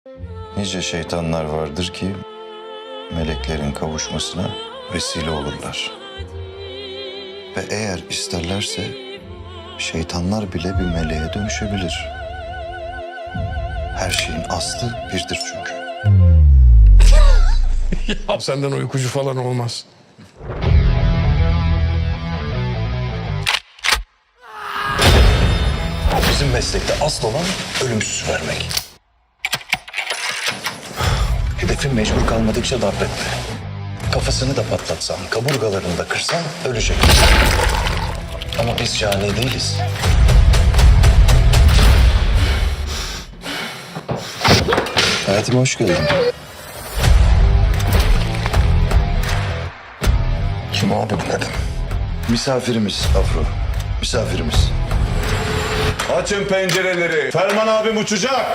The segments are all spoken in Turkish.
Nice şeytanlar vardır ki meleklerin kavuşmasına vesile olurlar. Ve eğer isterlerse şeytanlar bile bir meleğe dönüşebilir. Her şeyin aslı birdir çünkü. Ya senden uykucu falan olmaz. Bizim meslekte asıl olan ölümsüz vermek. Hedefin mecbur kalmadıkça darp etme. Kafasını da patlatsan, kaburgalarını da kırsan ölecek. Ama biz cani değiliz. Hayatıma hoş geldin. Kim abi bu kadın? Misafirimiz Afro. Misafirimiz. Açın pencereleri. Ferman abim uçacak.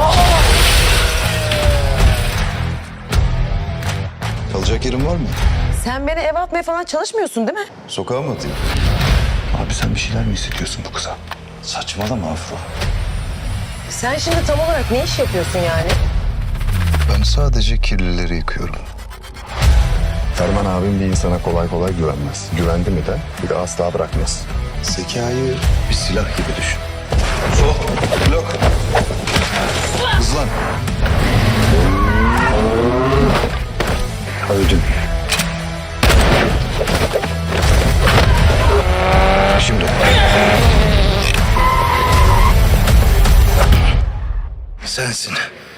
Kalacak yerin var mı? Sen beni eve atmaya falan çalışmıyorsun değil mi? Sokağa mı atayım? Abi sen bir şeyler mi hissediyorsun bu kıza? Saçmalama Afro. Sen şimdi tam olarak ne iş yapıyorsun yani? Ben sadece kirlileri yıkıyorum. Ferman abim bir insana kolay kolay güvenmez. Güvendi mi de bir de asla bırakmaz. Zekayı bir silah gibi düşün. Sol, blok. Hızlan. Öldün. Şimdi. Sensin.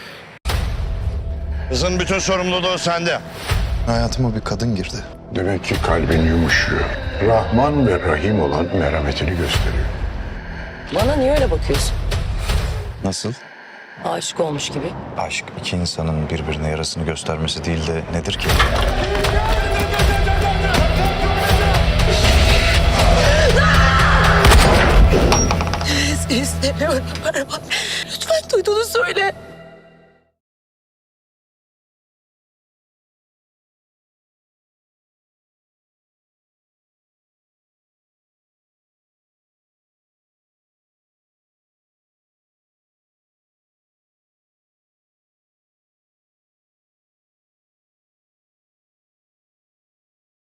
Kızın bütün sorumluluğu sende. Hayatıma bir kadın girdi. Demek ki kalbin yumuşuyor. Rahman ve Rahim olan merhametini gösteriyor. Bana niye öyle bakıyorsun? Nasıl? Aşık olmuş gibi. Aşk iki insanın birbirine yarasını göstermesi değil de nedir ki? İstemiyorum Ferman. Lütfen duyduğunu söyle.